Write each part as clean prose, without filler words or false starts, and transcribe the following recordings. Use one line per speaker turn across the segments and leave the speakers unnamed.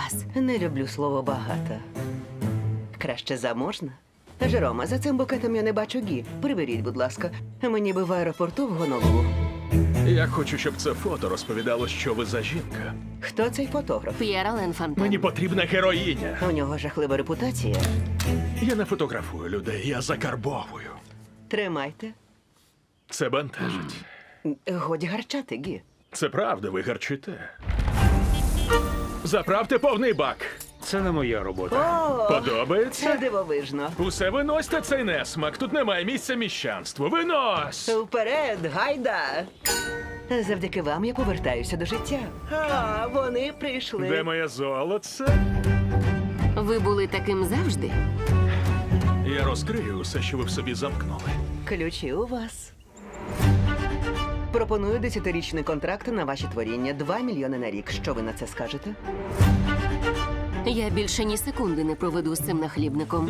вас.
Не люблю слово багато. Краще заможна. Жерома, за цим букетом я не бачу Гі. Приберіть, будь ласка. Мені би в аеропорту в Гонолулу.
Я хочу, щоб це фото розповідало, що ви за жінка.
Хто цей фотограф?
П'єр Ален Фонтен.
Мені потрібна героїня.
У нього жахлива репутація.
Я не фотографую людей, я закарбовую.
Тримайте.
Це бентежить.
Годі гарчати, Гі.
Це правда, ви гарчите. Заправте повний бак.
Це не моя робота.
О, це
Подобається?
дивовижно.
Усе виносьте цей несмак. Тут немає місця міщанству. Винось!
Вперед, гайда! Завдяки вам я повертаюся до життя. А, вони прийшли.
Де моє золоце?
Ви були таким завжди?
Я розкрию усе, що ви в собі замкнули.
Ключі у вас. Пропоную 10-річний контракт на ваші творіння. 2 мільйони на рік. Що ви на це скажете?
Я більше ні секунди не проведу з цим нахлібником.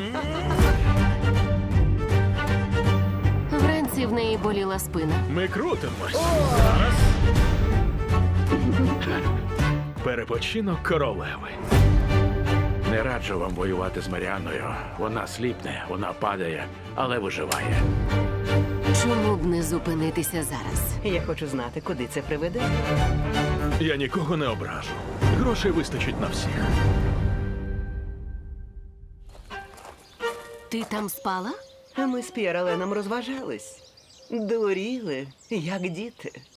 Вранці в неї боліла спина.
Ми крутимось. Перепочинок королеви.
Не раджу вам воювати з Маріанною. Вона сліпне, вона падає, але виживає.
Чому б не зупинитися зараз?
Я хочу знати, куди це приведе.
Я нікого не ображу. Грошей вистачить на всіх.
Ти там спала?
А ми з П'єр Аленом розважались. Дуріли, як діти.